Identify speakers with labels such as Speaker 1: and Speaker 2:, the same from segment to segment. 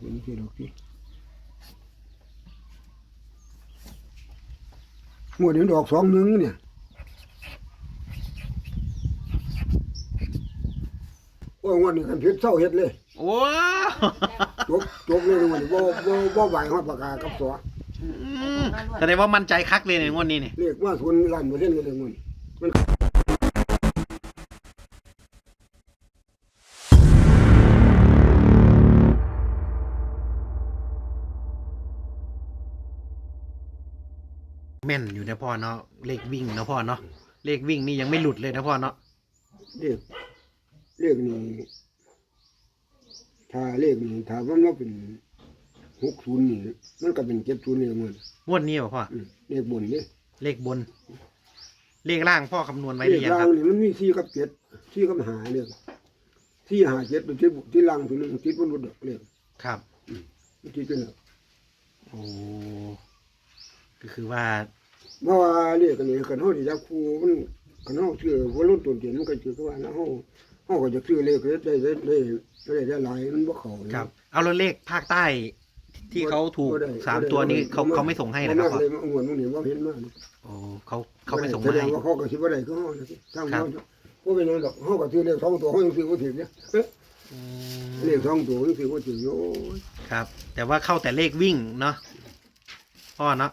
Speaker 1: เป็นที่ดอกที่หมดเดี๋ยวดอก21เนี่ยโอ้ยวันนี้กันเพชรเศร้าเฮ็ดเลย
Speaker 2: โอ้
Speaker 1: จบเลยวันนี้บ่ไหวฮอดปากกากับตัว
Speaker 2: แสดงว่ามั่นใจคักเลยในงวดนี้เนี่ย
Speaker 1: เรียกว่าทุนล้านบ่เล่นกันเลยมัน
Speaker 2: แม่นอยู่นะพ่อเนาะเลขวิ่งนะพ่อเนาะเลขวิ่งนี่ยังไม่หลุดเลยนะพ่อเนาะ
Speaker 1: เรียกนี่ถ้าเลขนี่ถ้ามันมาเป็น60นี่มันก็เป็น70นี่มัน
Speaker 2: งวดนี้เหรอพ่อ
Speaker 1: เลขบนนี่
Speaker 2: เลขบน เลขล่างพ่อคำนวณไว้ห
Speaker 1: เล
Speaker 2: รื
Speaker 1: ข
Speaker 2: อยัง
Speaker 1: ล่า
Speaker 2: ค
Speaker 1: ง
Speaker 2: รับ
Speaker 1: นี่มันมี4กับ7 4กับ5เนี่ย4 5 7เป็นที่ล่างตัวนึงติดบนรถเลข
Speaker 2: ครับ
Speaker 1: ติดเป็นแล้ว
Speaker 2: โอ้ก็คือว่า
Speaker 1: เพราะว่าเลขอันนี้คันเฮาสิจับคู่มันคันเฮาซื้อบ่ลงต้นเตียนมันก็สิคือว่าเฮาก็จะซื้อเลขได้หลายมันบ่เข้า
Speaker 2: ครับ เอาแล้วเลขภาคใต้ที่เขาถูก3 ตัวนี้เขาไม่ส่งให้นะครับพ่อ
Speaker 1: เลยมาอ้วนมึงนี่บ่เห็นมา
Speaker 2: โอ้เขาไม่ส่ง
Speaker 1: แส
Speaker 2: มา
Speaker 1: ดง
Speaker 2: ให้
Speaker 1: ว่าเขาก็สิบ่ได้ก็เฮาทางเฮาบ่เป็นหยังดอกเฮาก็ซื้อเลข2ตัวเฮายังซื้อบ่ถึงเนี่ย
Speaker 2: อื
Speaker 1: เล
Speaker 2: ม
Speaker 1: ข2ตัวยังซื้อบ่ถึงโอ้ย
Speaker 2: ครับ แต่ว่าเข้าแต่เลขวิ่งเนาะพ่อเนาะ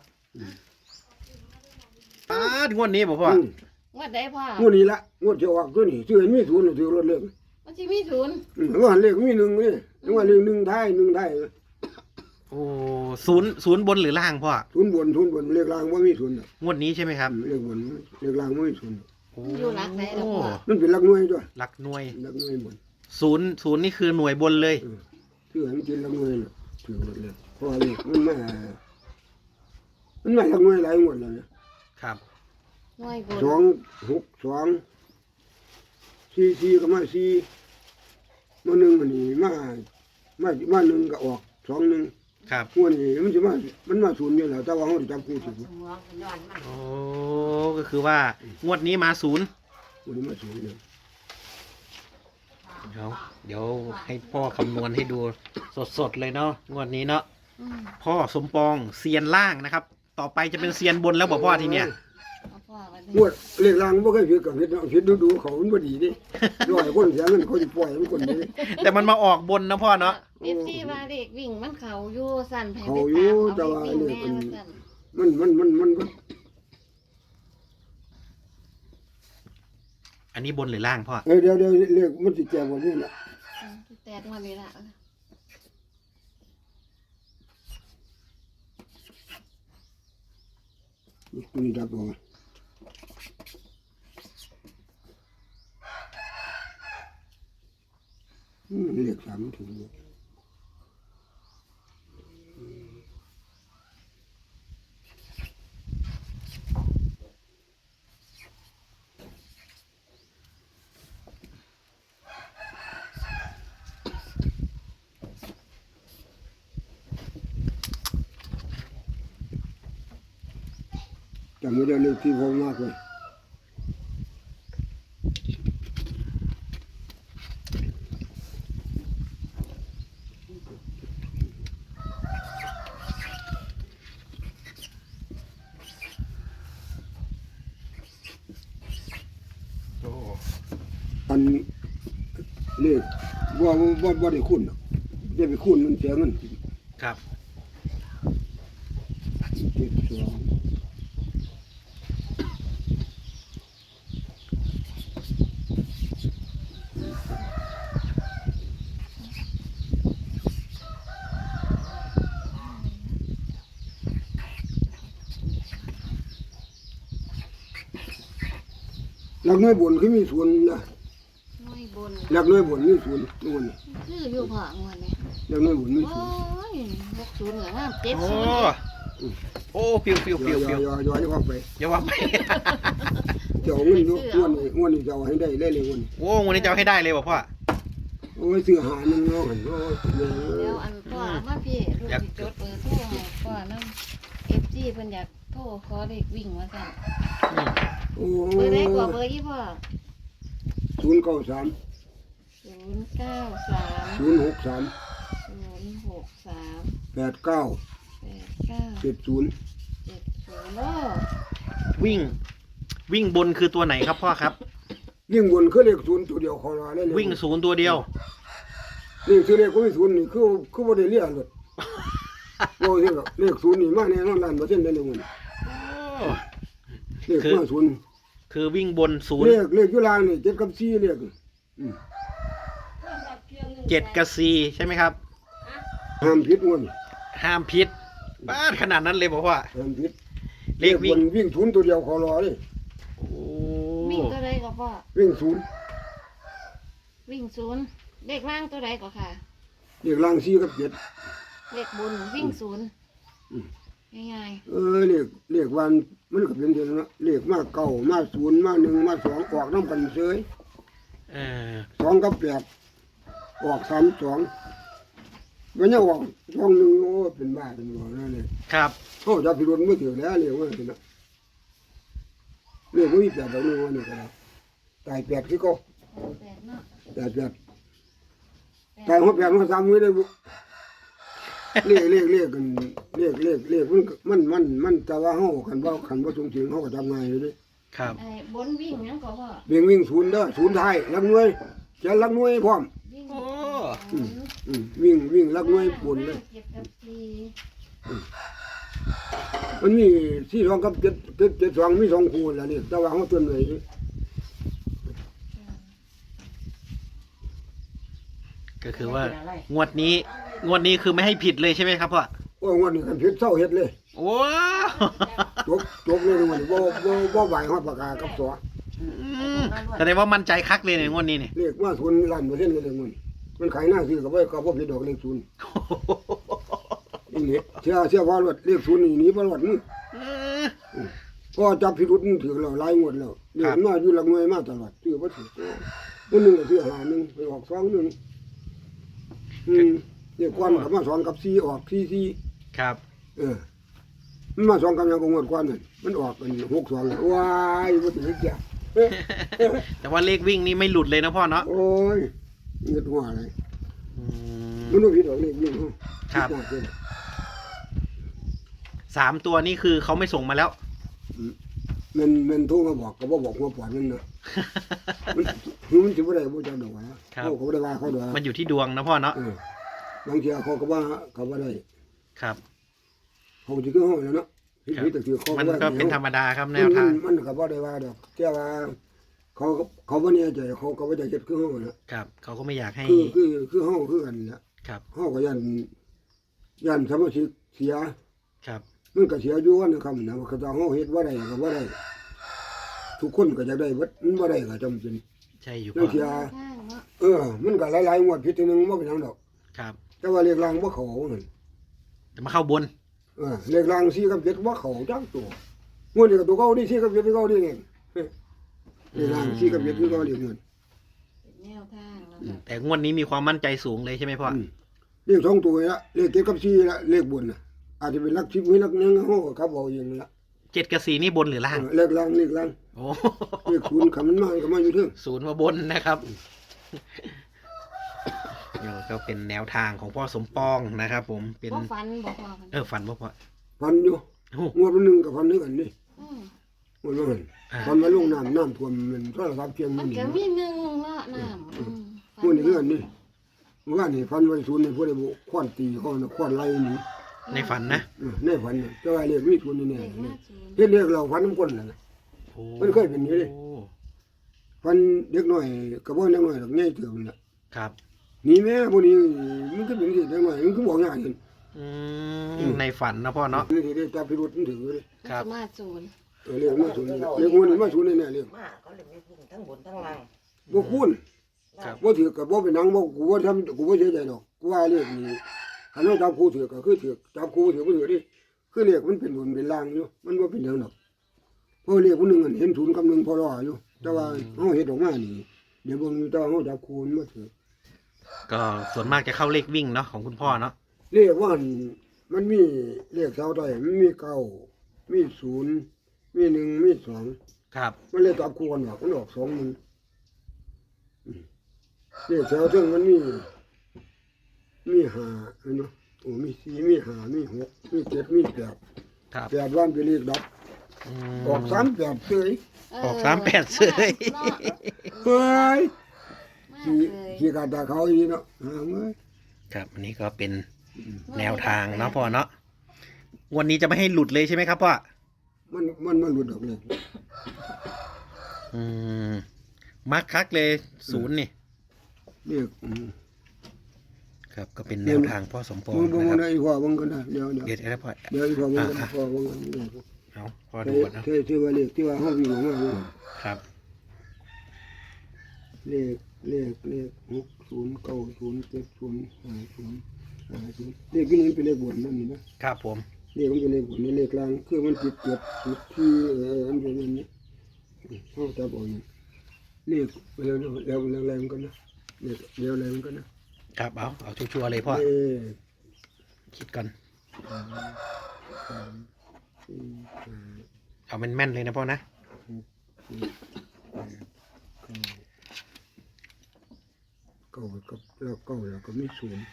Speaker 2: งวดนี้บอกพ่อ
Speaker 3: งวดใดพ่อง
Speaker 1: วดนี้ละงวดจะออกตัวนี้ซื้อให้มีศูนย์ซื้อรถเลข
Speaker 3: มันสิมีศูนย์
Speaker 1: ว่าเลขมี1นี่ว่าเลข1ท้าย
Speaker 2: โอ้ศูนย์บนหรือล่างพ่อ
Speaker 1: ศูนย์บนเลขล่างบ่มีศูนย์
Speaker 2: งวดนี้ใช่ไหมครับ
Speaker 1: เลขบนเลขล่างบ่มีศูนย์
Speaker 3: มันอยู่หลักไหนล่ะพ่อ
Speaker 1: มันเป็นหลักหน่วยด้วย
Speaker 2: หลักหน่วย
Speaker 1: หลักหน่วยบน
Speaker 2: ศูนย์นี่คือหน่วยบนเลย
Speaker 1: ซื้อให้มันกินหลักหน่วยน่ะซื้อรถเลขเพราะว่าเลขมันมาหลักหน่วยหลายงวดแล้วนะครับ
Speaker 3: หน่วยบน
Speaker 1: 2 6 2 4ก็มา4มา1อันนี้มา1ก็ออก2 1
Speaker 2: ครับ
Speaker 1: งวดนี้มันมาศูนย์อยู่แล้วแต่ว่าเฮาได้จับคู่ถูกง
Speaker 2: โอ้ก็คือว่างวดนี้มาศูนย์
Speaker 1: วดนี้มาศูนย์เลย
Speaker 2: เดี๋ยวให้พ่อคำนวณให้ดูสดๆเลยเนาะงวดนี้เนาะ
Speaker 3: อืม
Speaker 2: พ่อสมปองเซียนล่างนะครับ ต่อไปจะเป็นเซียนบนแล้วบอกพ่อทีเนี้ย
Speaker 3: เอาพ่อไว้
Speaker 1: งวดเลขล่างบ่เคยผิดกับผิดดูเขามันบ่ดีเด้ร้อยคนเสียเงินเขาสิปล่อยมันคนนี้
Speaker 2: แต่มันมาออกบนนะพ่อเนาะ
Speaker 3: เอฟซีว่าเด็กวิ่งมันเขาอยู่สั่นแผ่
Speaker 1: เขา
Speaker 3: ไป
Speaker 1: อยู่
Speaker 3: ตาม
Speaker 1: แต่
Speaker 3: เอา
Speaker 1: ว่า
Speaker 3: เด็กวิ่ง
Speaker 1: เลข
Speaker 3: แม่
Speaker 1: มัน
Speaker 3: ว่าสั่น
Speaker 1: มัน
Speaker 2: อันนี้บนหรือล่างพ่อ
Speaker 1: เดี๋ยวเลขมันสิแก่บ่นี่ล่ะ
Speaker 3: แตกมาเลยล่ะ
Speaker 1: นี่ดับบ่เลข3มันถึงอยู่จำไม่ได้เลขที่ผมมากเลยอันเลขว่าได้คุณหรอกได้ไปคุณมันเสียเงิน
Speaker 2: ครับ
Speaker 1: 72หลักน้อยบนคือมีศูนย์นะ
Speaker 3: หน่วยบน
Speaker 1: หลักน้อยบนมีศูนย์นู่น
Speaker 3: คืออยู่พ่องวดนี้
Speaker 1: หลักน้อยบนมี
Speaker 3: โอ้
Speaker 1: ศูนย์
Speaker 3: ย60เหลือ5
Speaker 2: โอ้
Speaker 3: 70
Speaker 2: โอ้ฟิว
Speaker 1: ย่อนี่ว่าไป
Speaker 2: อย่าว่าไป
Speaker 1: เจ้าเงินอยู่งวดนี้เจ้าให้ได้เลยงวดนี้
Speaker 2: โอ้วันนี้จะเอาให้ได้เลยบอกพ่อ
Speaker 1: โอ้ยซื้อหานึงเนาะหั่นโอ้ย
Speaker 3: เดี๋ยวอันพ่อเอามาพี่ลูกสิจดเบอร์โทรให้พ่อนำ FG เพิ่นอยากโทรขอเด็กวิ่งว่าซั่น
Speaker 1: โอ้
Speaker 3: เบอร์ใดกว่าเบอร์อีพ่อ
Speaker 1: 093
Speaker 3: 093
Speaker 1: 063
Speaker 3: 063 63
Speaker 1: 89
Speaker 3: 89
Speaker 1: 70
Speaker 3: 70โอ้
Speaker 2: วิ่งบนคือตัวไหนครับพ่อครับ
Speaker 1: ยิ่งบนคือเลขศูนย์ตัวเดียวขอรอได้เลย
Speaker 2: วิ่งศูนย์ตัวเดียว
Speaker 1: นี่คือเลขก็มีศูนย์นี่คือบ่ได้เรียนเลยบ่ที่ก็เลขศูนย์นี่มาแน่นอน100%ได้เลยมันเลขมาศูนย์
Speaker 2: คือวิ่งบนศูนย์
Speaker 1: เลขอยู่ล่างนี่7กับ4เลขอืม
Speaker 2: 7 กับ 4ใช่ไหมครับ
Speaker 1: ห้ามผิดมัน
Speaker 2: ห้ามพิษบ้านขนาดนั้นเลยบอกว่า
Speaker 1: ห้ามผิด
Speaker 2: เลขวิ่ง
Speaker 1: บนวิ่งศูนย์ตัวเดียวขอรอเลย
Speaker 2: โอ้
Speaker 3: วิ่งตัวใดก็พ่อ
Speaker 1: วิ่งศูนย์
Speaker 3: วิ่งศูนย์เลขล่างตัวใดก็ค่ะ
Speaker 1: เลขล่าง4กับ7
Speaker 3: เลขบนวิ่งศูนย์ง่าย
Speaker 1: เลขวันมันก็เป็นเท่านั้นนะเลขมาเก้ามาศูนย์มา1มา2ออกนำกันเฉย
Speaker 2: เออ
Speaker 1: 2กับ8ออก32มันยังออก21โอ้เป็นบ้าเป็นบ่นั่นเลย
Speaker 2: ครับ
Speaker 1: เขาจะพิรุณบ่ถือแล้วเรียกว่าสินะเรียกว่ามี8ดอกนึงว่านี่ก็ได้ตาย8คือเก็
Speaker 3: ๆ8เนาะ
Speaker 1: ตาย8ตายหัว8หัว3มื้อได้บ่เลขกันเลขมันแต่ว่าเฮาคันบ่สูงถึงเฮาก็ทำง่ายอยู่เด้
Speaker 2: ครับ
Speaker 3: ไอ้บนวิ่งหยังก็พ่อ
Speaker 1: วิ่งศูนย์เด้อศูนย์ท้ายลักหน่วยจะลักหน่วยพร้อม
Speaker 3: วิ่ง
Speaker 2: โอ้
Speaker 3: ศูนย์
Speaker 1: วิ่งลักหน่วยบนเลย
Speaker 3: เจ็ดกับสี่
Speaker 1: มันมี42กับ772มี2คู่แล้วนี่แต่ว่าเฮาต้นไว้ดิ
Speaker 2: ก็คือว่างวดนี้คือไม่ให้ผิดเลยใช่ไหมครับพ่อ
Speaker 1: โอ้ยวันนี้กันผิดเศร้าเฮ็ดเลย
Speaker 2: ว้าว
Speaker 1: จบเลยวันนี้บ่ไหวฮอดปากกากับตัว
Speaker 2: แสดงว่ามั่นใจคักเลยในงวดนี้เนี่ย
Speaker 1: เลขมา0%เลยมันขายหน้าซื้อก็บ่ผิดดอกเลข0นี่เชื่อว่ารถเลข0นี่หนีบ่รอดมึงก็จับพิรุธถือแล้วหลายงวดแล้วเลขมาอยู่หลักหน่วยมาตลอดซื้อบ่ถูกมันนึงก็ซื้อ51ไปออก21เนี่ยก่อนก็มา2กับ4ออก4
Speaker 2: ครับ
Speaker 1: มันมา2กับยังก็งวดก่อนนั่นมันออกเป็น62ว้ายบ่ถึงจ้ะ
Speaker 2: แต่ว่าเลขวิ่งนี่ไม่หลุดเลยนะพ่อเนาะ
Speaker 1: โอ้ยเงินหัวอะไร
Speaker 2: อืม
Speaker 1: มันต้องผิดดอกเลขนี่
Speaker 2: ครับ 3 ตัวนี่คือเขาไม่ส่งมาแล้ว
Speaker 1: มันโทรมาบอกก็บ่บอกว่าปล่อยมันนะมันสิบ่ได้บ่จักดอกนะเขาก็บ่ได้ว่าเขาดอก
Speaker 2: มันอยู่ที่ดวงนะพ่อเนาะ
Speaker 1: บางทีเขาก็ว่าเขาบ่ได้
Speaker 2: ครับ
Speaker 1: เขาสิคือเฮาแล้วเนาะผิดแต่คือเขา
Speaker 2: มันก็เป็นธรรมดาครับแนว
Speaker 1: มั
Speaker 2: ทาง
Speaker 1: มันก็บ่ได้ว่าดอกแต่ว่าเขาบ่แน่ใจเขาก็บ่ได้เฮ็ดคือเฮานะครับ
Speaker 2: เขาก็ไม่อยากให้
Speaker 1: คือเฮาคือกันแหละ
Speaker 2: ครับ
Speaker 1: เฮาก็ยันสมาชิกเสีย
Speaker 2: ครับ
Speaker 1: มันก็เสียอยู่วันนะครับนะว่าเขาจะเฮาเฮ็ดบ่ได้ก็บ่ได้ทุกคนก็อยากได้เบิดมันบ่ได้ก็จำเป็น
Speaker 2: ใช่อยู่
Speaker 1: เรื่
Speaker 2: พ่
Speaker 1: อ
Speaker 2: อง
Speaker 1: เสีย
Speaker 3: ข้างเนาะ
Speaker 1: มันก็หลายๆงวดผิดทีนึงบ่เป็นหยังดอก
Speaker 2: ครับ
Speaker 1: แต่ว่าเลขรางบ่เข้านั่น
Speaker 2: จะมาเข้าบน
Speaker 1: เลขราง4กับ7บ่เข้าจักตัวงวดนี้ก็ตัวเก่านี่4กับ7ตัวเก่านี่เองเลขราง4กับ7คือเก่าเลขเงิน
Speaker 3: เป็นแนวทางเนาะค่ะ
Speaker 2: แต่งวดนี้มีความมั่นใจสูงเลยใช่ไหมพ่อ
Speaker 1: เลข2ตัวละเลข7กับ4ละเลขบนน่ะอาจจะเป็นหลัก10หรือหลัก1เฮาก็ครับเอาเองละ
Speaker 2: 7 กับ 4นี่บนหรือล่าง
Speaker 1: เลขราง
Speaker 2: โอ้
Speaker 1: เลขคูณคันมันมาก็มาอยู่เทิง
Speaker 2: ศูนย์มาบนนะครับเดี๋ยวก็เป็นแนวทางของพ่อสมปองนะครับ ผมเป็น
Speaker 3: บ่ฟันบ่พอกัน
Speaker 2: ฝันว่าพ่อ
Speaker 1: พันอยู่
Speaker 2: โอ้
Speaker 1: งวดนึงกับพันนึงกันนี่
Speaker 3: อืม
Speaker 1: งวดนั้นพันมาลงน้ำท่วมมันโทรศัพท์เพียง
Speaker 3: มั
Speaker 1: มัน นนี่
Speaker 3: ก็มีหนึ่งเนาะน้ำ
Speaker 1: งวดนี้คือกันนี่ว่านี่พันไว้ศูนย์นี่ผู้ใดบ่ควานตีเขาน่ะควานไล่นี่
Speaker 2: ในฝันนะ
Speaker 1: ในฝันน่ะแต่ว่าเรียกมีศูนย์นี่แน่
Speaker 3: เลข
Speaker 1: นี่
Speaker 3: มาศูนย์
Speaker 1: เฮ็ดเรียกเราพันน้ำก้นน่ะ
Speaker 2: โอ้
Speaker 1: มันเคยเป็นอย่างนี้เลย พันเด็กน้อยก็บ่เด็กน้อยดอกใหญ่เติบนั่นล่ะ
Speaker 2: ครับ
Speaker 1: นี่แม่บ่นี้มันก็เป็นสิเด็กน้อยมันก็บอกยากเห็น
Speaker 2: ในฝันนะพ่อเนาะ
Speaker 1: นี่ได้จับพิรุธมันถือเลย
Speaker 2: ครับ
Speaker 3: มาศูนย์
Speaker 1: เรียกมาศูนย์เรียกงวดนี้มาศูนย์แน่ๆเรียก
Speaker 4: มาเขาเลยไม่พูดทั้งบนทั้งล่าง
Speaker 1: บ่คูณ
Speaker 2: ครับ
Speaker 1: บ่ถือกับบ่เป็นหนังบ่กูบ่ทำกูบ่เสียใจดอกกูว่าเรียกนี่คันเราจับคู่ถือก็คือถือจับคู่ถือบ่ถือดิคือเรียกมันเป็นบนเป็นล่างอยู่มันบ่เป็นหยังดอกเพราะเรียกผู้หนึงอันเห็นศูนย์กับหนึ่งพอรออยู่แต่ว่าเฮาเฮ็ดออกมานี่เดี๋ยวเบิ่งอยู่แต่ว่าเฮาจับคู่มันบ่ถือ
Speaker 2: ก็ส่วนมากจะเข้าเลขวิ่งเนาะของคุณพ่อเนาะ
Speaker 1: เรียกว่ามันมีเรียกเสาใต้มันมีเก้ามีศูนย์มีหนึ่งมีสอง
Speaker 2: ครับ
Speaker 1: มันเลยจับคู่กันว่ามันออก2 1เรียกเสาถึงมันมี5เห็นบ่โอ้มี4มี5มี6มี7มี8
Speaker 2: ครับ
Speaker 1: 8วันเป็นเลขดับ
Speaker 2: อืม
Speaker 1: ออก38เฉย
Speaker 2: ออก38เสย
Speaker 1: เฮ้ย
Speaker 3: มา
Speaker 1: ขี้
Speaker 3: เลย
Speaker 1: ขี้กาตาเขาอีเนาะหาเอ้ย
Speaker 2: ครับอันนี้ก็เป็นแนวทางเนาะพ่อเนาะงวันนี้จะไม่ให้หลุดเลยใช่ไหมครับพ่อ
Speaker 1: มันหลุดออกเลย
Speaker 2: อืมมักคักเลยศูนย์นี่
Speaker 1: เรียก
Speaker 2: ครับก็เป็นแนวทางพ่อสมปอง
Speaker 1: มึง
Speaker 2: นะครับ
Speaker 1: ได้อีกว่ามึงก็ได้เดี๋ยว
Speaker 2: เดี๋ยวนะพ่อ
Speaker 1: เดี๋ยวอีกว่ามึงก็ได้พอมึงก็ได้
Speaker 2: เอาพ่อดูก่อนนะ
Speaker 1: ที่ว่าเลขที่ว่าเฮาวิ่งออกมาเนี่ย
Speaker 2: ครับ
Speaker 1: เลข60 90 70 50 50เลขที่นี่เป็นเลขบนนั่นนี่นะครับ
Speaker 2: ผม
Speaker 1: เลขมันเป็นเลขบนนี่เลขกลางคือมันติด7ติดที่อันเป็นอันนี้เฮาจับเอาอย่างเลขแล้วแรงกันนะเลขเดี๋ยวแรงกันนะครับ
Speaker 2: เอาชัวร์ๆเลยพ่อ คิดก่อน เอาแม่นๆเลยนะพ่อนะ
Speaker 1: เก้ากับแล้วเก้าแล้วก็ไม่ศูนย์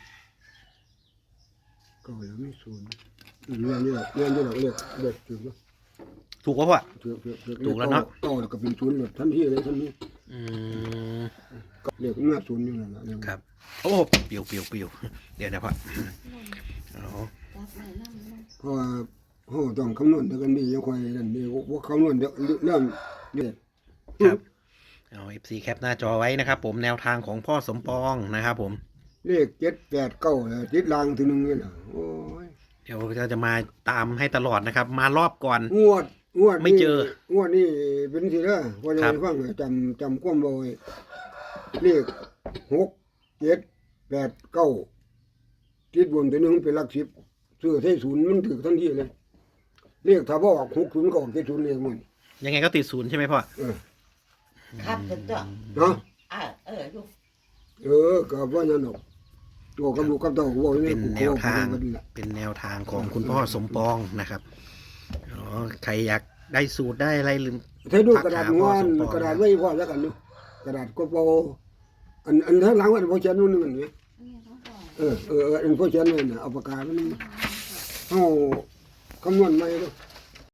Speaker 1: เก้าแล้วไม่ศูนย์เรียนนี่เราเรียกถูกแล้ว
Speaker 2: ถูกป่ะพ่อ
Speaker 1: ถูก
Speaker 2: ถูกแล้วเนาะ
Speaker 1: เก้าแล้วก็เป็นศูนย์เลยทันทีเลยทันที
Speaker 2: อืม
Speaker 1: เรียกหน้าศูนย์อยู่นั่นแหละ
Speaker 2: ครับ โอ้เปรียวเดี๋ยวนะพ่อเอา
Speaker 3: จับไว้นำเนาะ
Speaker 1: เพราะว่าเขาต้องคำนวณกันดียังค่อยนั่นดีว่าคำนวณเดี๋ยวเริ่มเรียก
Speaker 2: ครับเอา FC แคปหน้าจอไว้นะครับผมแนวทางของพ่อสมปองนะครับผม
Speaker 1: เลข7 8 9ติดลางทีนึงนี่น่ะโอ้ย
Speaker 2: เดี๋ยวเราจะมาตามให้ตลอดนะครับ มารอบก่อน
Speaker 1: งวด
Speaker 2: ไม่เจอ
Speaker 1: งวดนี่เป็นสิเด้อพอจะ
Speaker 2: ครับ
Speaker 1: ให้ฟังจำความบ่ไว้เลข6 7 8 9ติดบนตัวหนึงเป็นหลัก10ซื้อใส่ศูนย์มันถูกทันทีเลยเลขถ้าบ่ออก60ก็ออก70เลขมัน
Speaker 2: ยังไงก็ติดศูนย์ใช่ไหมพ่อ
Speaker 4: ครับถึงตัว
Speaker 1: เนาะ
Speaker 4: ลูก
Speaker 1: ก็ว่านั่นดอกตัวกับลูกกับเต้าก็บ่ได้
Speaker 2: เป็นแนวทาง
Speaker 1: กันล่ะ
Speaker 2: เป็นแนวทางของคุณพ่อสมปองนะครับอ๋อใครอยากได้สูตรได้อะไรลืม
Speaker 1: ใช้ดูกระดาษ
Speaker 2: ทักหาพ่
Speaker 1: ง
Speaker 2: อ
Speaker 1: อน
Speaker 2: สมปอง
Speaker 1: กระดาษไว้พอแล้วกันเนาะกระดาษก็พออันทั้งหลังว่าบ่เขียนนู่นนี่มันเนี่ย
Speaker 3: อันนี้ของพ่อ
Speaker 1: อันพวกเขียนไว้น่ะเอาปากกามันเฮาคำนวณใหม่เด้อ